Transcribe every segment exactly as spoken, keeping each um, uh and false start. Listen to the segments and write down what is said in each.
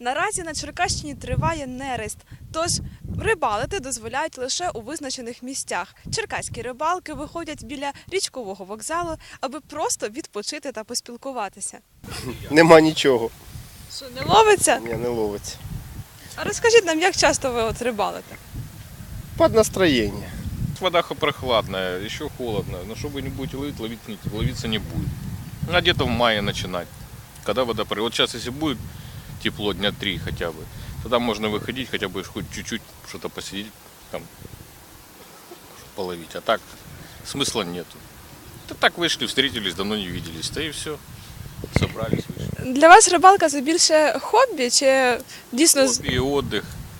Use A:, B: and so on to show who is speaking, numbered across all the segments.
A: Наразі на Черкащині триває нерест, тож рибалити дозволяють лише у визначених місцях. Черкаські рибалки виходять біля річкового вокзалу, аби просто відпочити та поспілкуватися.
B: Нема нічого.
A: Що, не ловиться?
B: Ні, не ловиться.
A: А розкажіть нам, як часто ви от рибалите?
B: Під настроєння.
C: Вода прохладная, еще холодно, но чтобы не будете ловить, ловить не, ловиться не будет. А где-то в мае начинать, когда вода пройдет. Вот сейчас, если будет тепло дня три хотя бы, тогда можно выходить, хотя бы хоть чуть-чуть что-то посидеть, там, половить. А так смысла нету. Да так вышли, встретились, давно не виделись, да и все. Собрались, вышли.
A: Для вас рибалка – це більше хобі чи дійсно… з-
C: Хобби и отдых.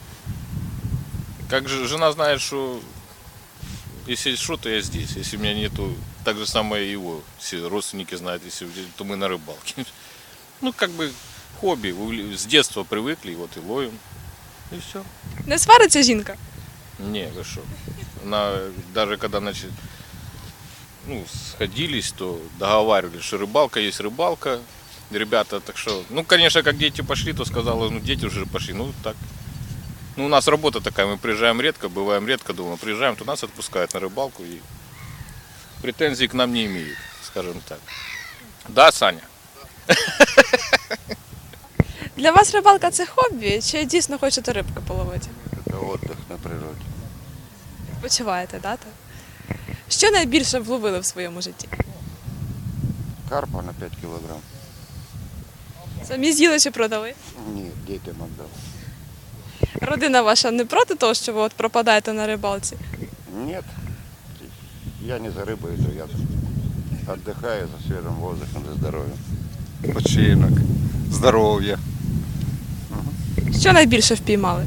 C: Как же жена знает, что если что, то я здесь. Если меня нету, так же самое и его. Все родственники знают, если то мы на рыбалке. Ну, как бы хобби. увле- С детства привыкли, вот и ловим. И все.
A: Не свариться жінка?
C: Не, вы что. Она, даже когда значит, ну, сходились, то договаривались, что рыбалка есть рыбалка. Ребята, так что, ну, конечно, как дети пошли, то сказала, ну, дети уже пошли, ну, так. Ну, у нас работа такая, мы приезжаем редко, бываем редко дома, приезжаем, то нас отпускают на рыбалку и претензий к нам не имеют, скажем так. Да, Саня?
A: Для вас рибалка – це хобі чи дійсно хочете рибки половити?
D: Это отдых на природе.
A: Почуваєте, да? так? Що найбільше вловили в своєму житті?
D: Карпа на пять килограмм.
A: Самі з'їли чи продали?
D: Нет, детям отдал.
A: Родина ваша не проти того, що ви от пропадаєте на рибалці?
D: Нет, я не за рыбой иду, я отдыхаю за свежим воздухом, за здоровьем.
E: Починок, здоров'я.
A: Що найбільше впіймали?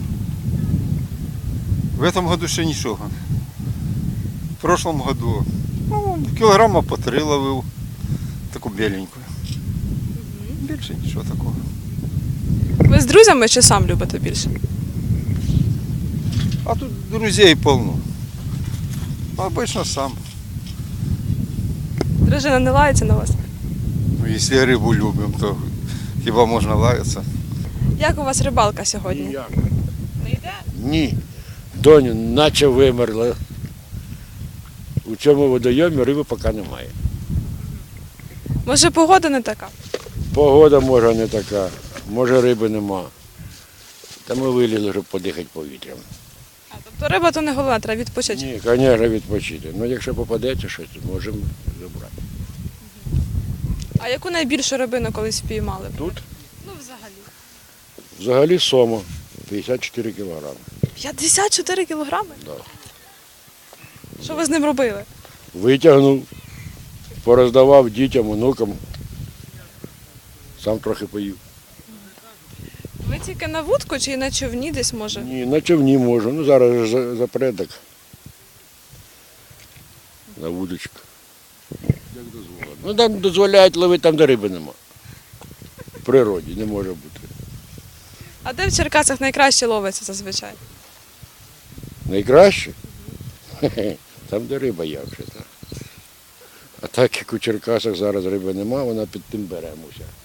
E: В этом году ще нічого. В прошлом году ну, кілограма по три ловив, таку біленьку. Більше нічого такого.
A: Ви з друзями чи сам любите більше?
E: А тут друзей полно. Обично сам.
A: Дружина не лається на вас?
E: Ну, якщо рибу любимо, то хіба можна лаятися?
A: Як у вас рибалка сьогодні?
F: Ніяк.
A: Не йде?
F: Ні. Доню, наче вимерла. У цьому водойомі риби поки немає.
A: Може погода не така?
F: Погода може не така, може риби нема. Та ми вилізли, щоб подихати повітрям.
A: А, тобто риба то не головна, треба відпочити.
F: Ні, звісно, відпочити. Ну якщо попадеться щось, то можемо забрати.
A: А яку найбільшу рибину колись впіймали?
F: Тут
A: Ну взагалі.
F: взагалі сома п'ятдесят чотири кілограми.
A: п'ятдесят чотири кілограми?
F: Да.
A: Що ви з ним робили?
F: Витягнув, пороздавав дітям, онукам. Сам трохи поїв.
A: Ви тільки на вудку чи на човні десь може?
F: Ні, на човні можу. Ну зараз ж за- запредок. На вудочку. Як дозволено. Ну там дозволяють ловити там, де риби нема. В природі не може бути.
A: А де в Черкасах найкраще ловиться зазвичай?
F: Найкраще? Хе-хе, там, де риба є вже. А так як у Черкасах зараз риби нема, вона під тим беремося.